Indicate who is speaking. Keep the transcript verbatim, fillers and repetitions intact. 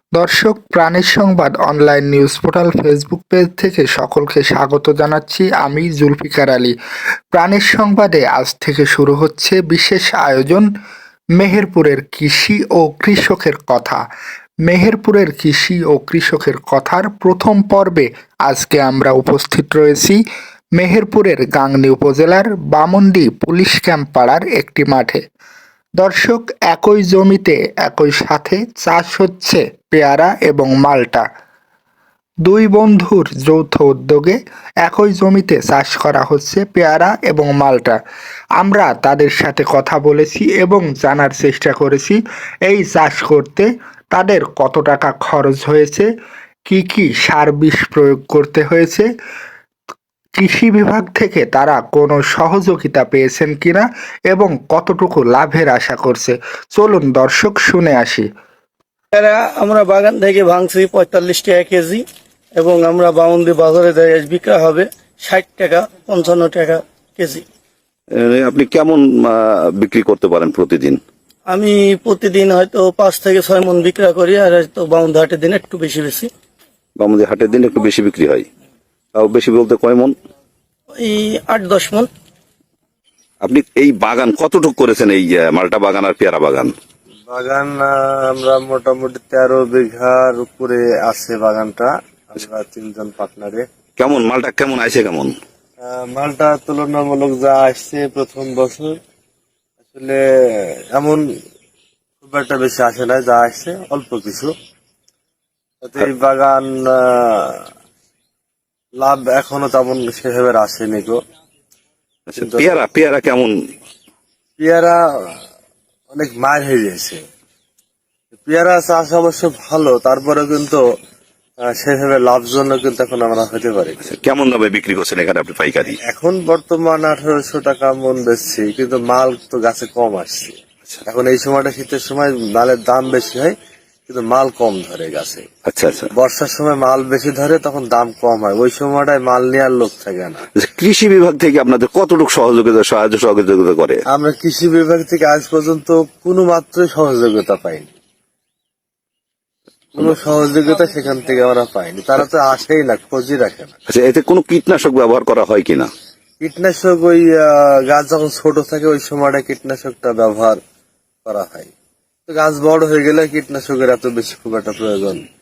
Speaker 1: দর্শক, প্রাণীর সংবাদ online news portal Facebook page থেকে সকলকে স্বাগত জানাচ্ছি। আমি জুলফিকার আলী। প্রাণীর সংবাদে আজ থেকে শুরু হচ্ছে বিশেষ আয়োজন, মেহেরপুরের কৃষি ও কৃষকের কথা। মেহেরপুরের কৃষি ও কৃষকের কথার প্রথম পর্বে আজকে আমরা উপস্থিত রয়েছি মেহেরপুরের গাংনী উপজেলার বামন্ডি পুলিশ ক্যাম্প পাড়ার একটি মাঠে। দর্শক, একই জমিতে একই সাথে চাষ হচ্ছে পেয়ারা এবং মালটা। দুই বন্ধুর যৌথ উদ্যোগে একই জমিতে চাষ করা হচ্ছে পেয়ারা এবং মালটা। আমরা তাদের সাথে কথা বলেছি এবং জানার চেষ্টা করেছি এই চাষ করতে তাদের কত টাকা খরচ হয়েছে, কি কি সার বিষ প্রয়োগ করতে হয়েছে, কৃষি বিভাগ থেকে তারা কোনো সহযোগিতা পেয়েছেন কিনা এবং কতটুকু লাভের আশা করছে। চলুন দর্শক, শুনে আসি।
Speaker 2: এরা আমরা বাগান থেকে ভাঙছি পঁয়তাল্লিশ টাকা কেজি এবং আমরা বাউন্দি বাজারে যাই বিক্রি হবে ষাট টাকা পঞ্চান্ন টাকা কেজি।
Speaker 3: এ, আপনি কেমন আহ, বিক্রি করতে পারেন প্রতিদিন?
Speaker 2: আমি প্রতিদিন হয়তো পাঁচ থেকে ছয় মন বিক্রি করি, আর হয়তো বাউন্দি হাটের দিন একটু বেশি বেশি।
Speaker 3: আমাদের হাটের দিন একটু বেশি বিক্রি হয়। তাও বেশি বলতে কয় মন?
Speaker 2: এই আট দশ মন।
Speaker 3: আপনি এই বাগান কতটুকু করেছেন, এই আহ, মালটা বাগান আর পেয়ারা বাগান?
Speaker 4: বাগান আহ, আমরা মোটামুটি তেরো বিঘার উপরে আছে বাগানটা, আমরা তিনজন পার্টনারে।
Speaker 3: কেমন মালটা কেমন আছে কেমন?
Speaker 4: আহ, মালটা তুলনামূলক যা আসছে প্রথম বছর আসলে এমন খুব একটা বেশি আসে না, যা আসছে অল্প কিছু। তাতে এই বাগান আহ, লাভ এখনো তেমন সেভাবে আসেনি গো।
Speaker 3: আচ্ছা, পেয়ারা পেয়ারা কেমন?
Speaker 4: পেয়ারা অনেক মার হয়ে গেছে। পেয়ারা চাষ অবশ্য ভালো, তারপরে কিন্তু আহ, সেভাবে লাভজনক কিন্তু এখন আমরা হতে পারি।
Speaker 3: আচ্ছা, কেমন দামে বিক্রি করছেন এখানে আপনি পাইকারি?
Speaker 4: এখন বর্তমান আঠারোশো টাকা মন বেচছি, কিন্তু মাল তো গাছে কম আসছে। এখন এই সময়টা শীতের সময় মালের দাম বেশি হয়, কিন্তু মাল কম ধরে গাছে।
Speaker 3: আচ্ছা আচ্ছা।
Speaker 4: বর্ষার সময় মাল বেশি ধরে, তখন দাম কম হয়, ওই সময়টায় মাল নেওয়ার লোক থাকে না।
Speaker 3: আচ্ছা, কৃষি বিভাগ থেকে আপনাদের কতটুকু সহযোগিতা সাহায্য সহযোগিতা করে?
Speaker 4: আমরা কৃষি বিভাগ থেকে আজ পর্যন্ত কোনো মাত্রই সহযোগিতা পাইনি, কোনো সহযোগিতা সেখান থেকে আমরা পাইনি। তারা তো আসেই না, খোঁজই রাখে না।
Speaker 3: আচ্ছা, এতে কোনো কীটনাশক ব্যবহার করা হয় কিনা?
Speaker 4: কীটনাশক ওই আহ, গাছ যখন ছোট থাকে ওই সময়টা কীটনাশকটা ব্যবহার করা হয়। তো গাছ বড় হয়ে গেলে কীটনাশকের এত বেশি খুব একটা প্রয়োজন